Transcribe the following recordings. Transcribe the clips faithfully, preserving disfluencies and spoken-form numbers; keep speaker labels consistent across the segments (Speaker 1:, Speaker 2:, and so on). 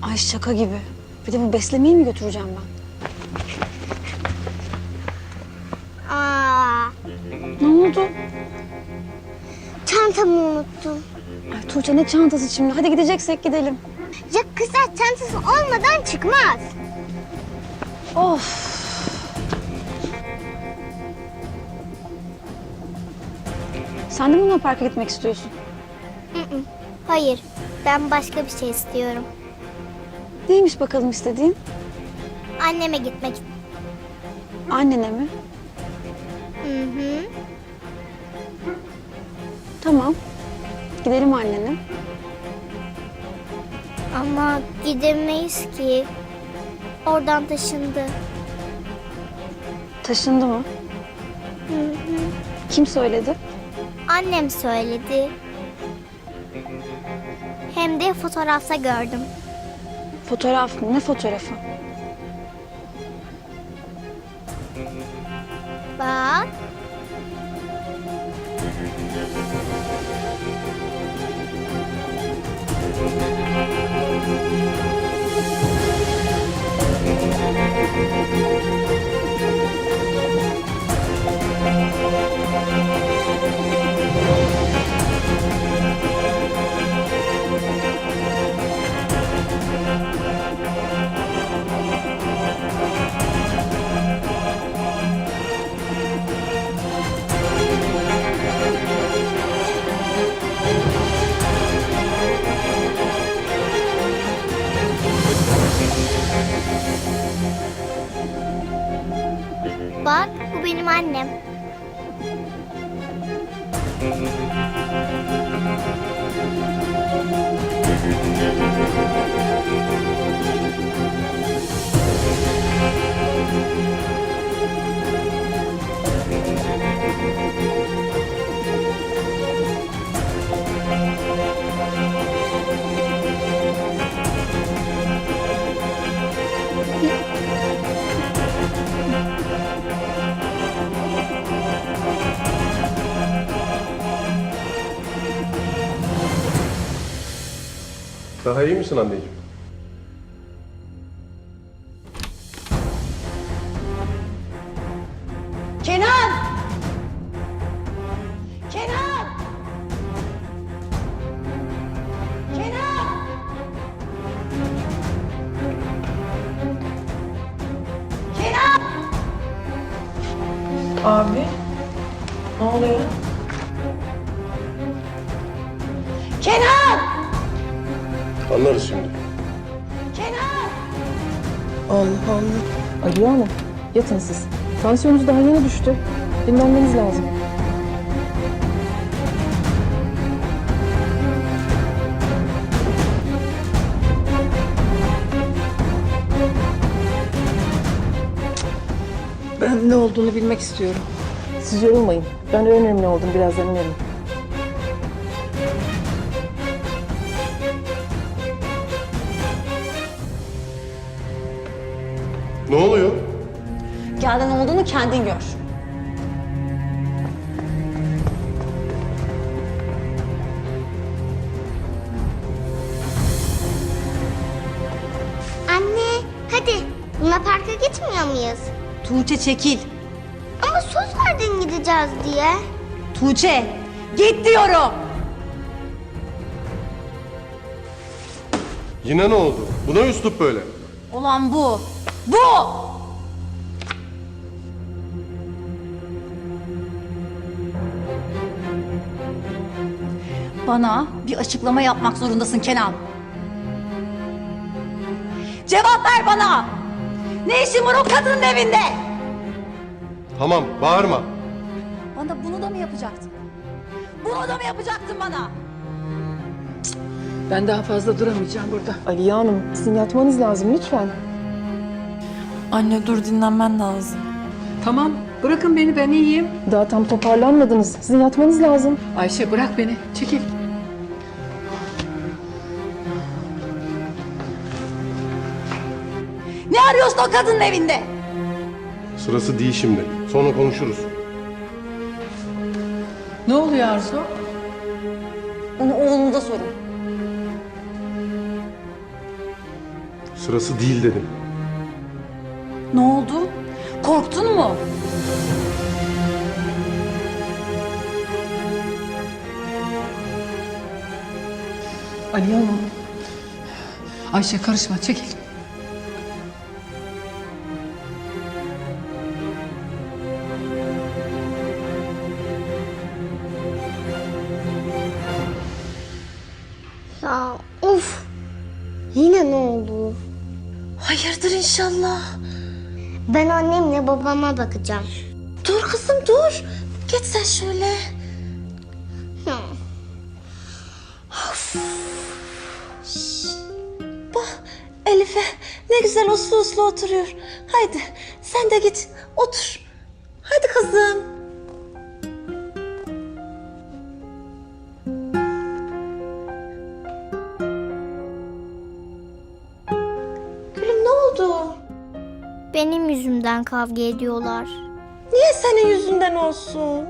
Speaker 1: Ay şaka gibi. Bir de bu beslemeyi mi götüreceğim ben?
Speaker 2: Aa,
Speaker 1: Ne oldu?
Speaker 2: çantamı unuttum.
Speaker 1: Ay Tuğçe ne çantası şimdi? Hadi gideceksek gidelim.
Speaker 2: Ya kızlar çantası olmadan çıkmaz.
Speaker 1: Of. Sen de mi Luna Park'a gitmek istiyorsun?
Speaker 2: Hı hı. Hayır, ben başka bir şey istiyorum.
Speaker 1: Neymiş bakalım istediğin?
Speaker 2: Anneme gitmek.
Speaker 1: Annene mi?
Speaker 2: Hı hı.
Speaker 1: Tamam. Gidelim annene.
Speaker 2: Ama gidemeyiz ki. Oradan taşındı.
Speaker 1: Taşındı mı?
Speaker 2: Hı hı.
Speaker 1: Kim söyledi?
Speaker 2: Annem söyledi. Hem de fotoğrafta gördüm.
Speaker 1: Fotoğraf mı? Ne fotoğrafı?
Speaker 2: Bak. Bak, bu benim annem.
Speaker 3: Daha iyi misin anneciğim?
Speaker 1: Kenan! Kenan! Kenan! Kenan!
Speaker 4: Abi, ne oluyor?
Speaker 1: Kenan!
Speaker 3: Anlarız şimdi.
Speaker 1: Kenan!
Speaker 4: Allah Allah. Aliye Hanım, yatın siz. Tansiyonunuz daha yeni düştü. Dinlenmeniz lazım. Ben ne olduğunu bilmek istiyorum. Siz yorulmayın. Ben öğrenirim ne olduğunu, birazdan inerim.
Speaker 3: Ne oluyor?
Speaker 1: Gel ne olduğunu kendin gör.
Speaker 2: Anne, hadi. Luna Park'a gitmiyor muyuz?
Speaker 5: Tuğçe çekil.
Speaker 2: Ama söz verdin gideceğiz diye.
Speaker 5: Tuğçe git diyorum.
Speaker 3: Yine ne oldu? Buna üslup böyle.
Speaker 5: Olan bu. Bu. Bana bir açıklama yapmak zorundasın Kenan. Cevap ver bana. Ne işin var o kadının evinde?
Speaker 3: Tamam, bağırma.
Speaker 5: Bana bunu da mı yapacaktın? Bunu da mı yapacaktın bana?
Speaker 4: Ben daha fazla duramayacağım burada. Aliye Hanım, sizin yatmanız lazım lütfen.
Speaker 6: Anne dur, dinlenmen lazım.
Speaker 4: Tamam, bırakın beni, ben iyiyim. Daha tam toparlanmadınız. Sizin yatmanız lazım. Ayşe bırak beni, çekil.
Speaker 5: Ne arıyorsun o kadının evinde?
Speaker 3: Sırası değil şimdi. Sonra konuşuruz.
Speaker 4: Ne oluyor Arzu?
Speaker 1: Onu oğlunuza sorun.
Speaker 3: Sırası değil dedim.
Speaker 5: Ne oldu? Korktun mu?
Speaker 4: Aliye Hanım.
Speaker 7: Ayşe karışma, çekil.
Speaker 2: Ya of. Yine ne oldu?
Speaker 1: Hayırdır inşallah.
Speaker 2: Ben annemle babama bakacağım.
Speaker 1: Dur kızım dur. Geç sen şöyle.
Speaker 2: Ya.
Speaker 1: Bak Elif'e ne güzel uslu uslu oturuyor. Haydi sen de git otur. Hadi kızım. Gülüm ne oldu?
Speaker 2: Benim yüzümden kavga ediyorlar.
Speaker 1: Niye senin yüzünden olsun?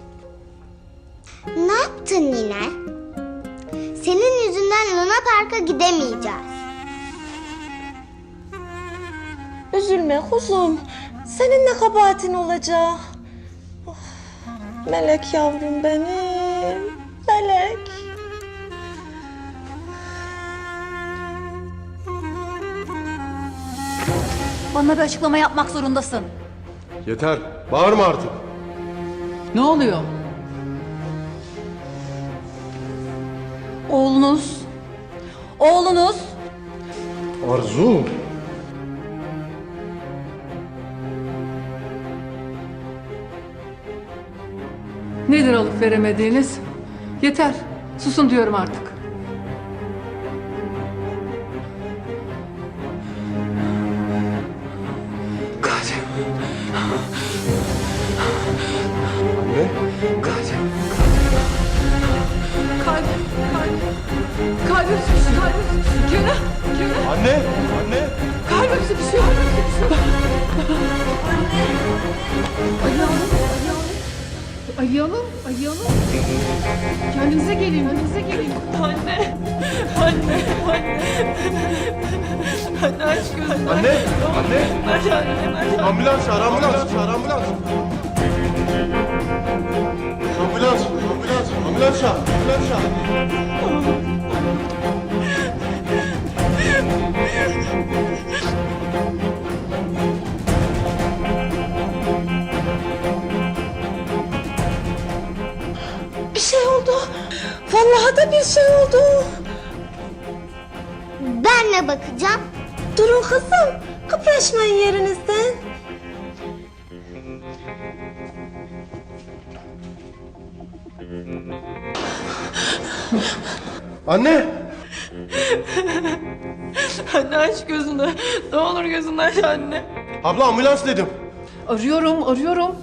Speaker 2: Ne yaptın yine? Senin yüzünden Luna Park'a gidemeyeceğiz.
Speaker 1: Üzülme kuzum. Senin ne kabahatin olacak? Oh, melek yavrum benim. Melek.
Speaker 5: Bana bir açıklama yapmak zorundasın.
Speaker 3: Yeter. Bağırma artık.
Speaker 7: Ne oluyor?
Speaker 5: Oğlunuz, oğlunuz
Speaker 3: Arzu.
Speaker 7: Nedir alıp veremediğiniz? Yeter, susun diyorum artık. Kaç.
Speaker 3: Anne.
Speaker 7: Kaç. Kalbim, kalbim. Kalbim sıkıştı, kalbim sıkıştı. Kenan, Kenan.
Speaker 3: Anne. Anne.
Speaker 7: Kalbim sıkışıyor, kalbim sıkışıyor. Aliye Hanım, Aliye Hanım. Aliye Hanım, kendinize gelin, kendinize gelin. Anne, anne, anne. Anne aç gözünü.
Speaker 3: Anne. Anne. Ambulans çağır. Ambulans çağır. Ambulans. Ambulans. Ambulans. Ambulans çağır. Ambulans çağır.
Speaker 1: Bir şey oldu. Vallahi da bir şey oldu.
Speaker 2: Ben ne bakacağım?
Speaker 1: Durun kızım. Kıpraşmayın yerinizden.
Speaker 3: Anne.
Speaker 7: Anne aç gözünü. Ne olur gözünü aç anne.
Speaker 3: Abla ambulans dedim.
Speaker 7: Arıyorum, arıyorum.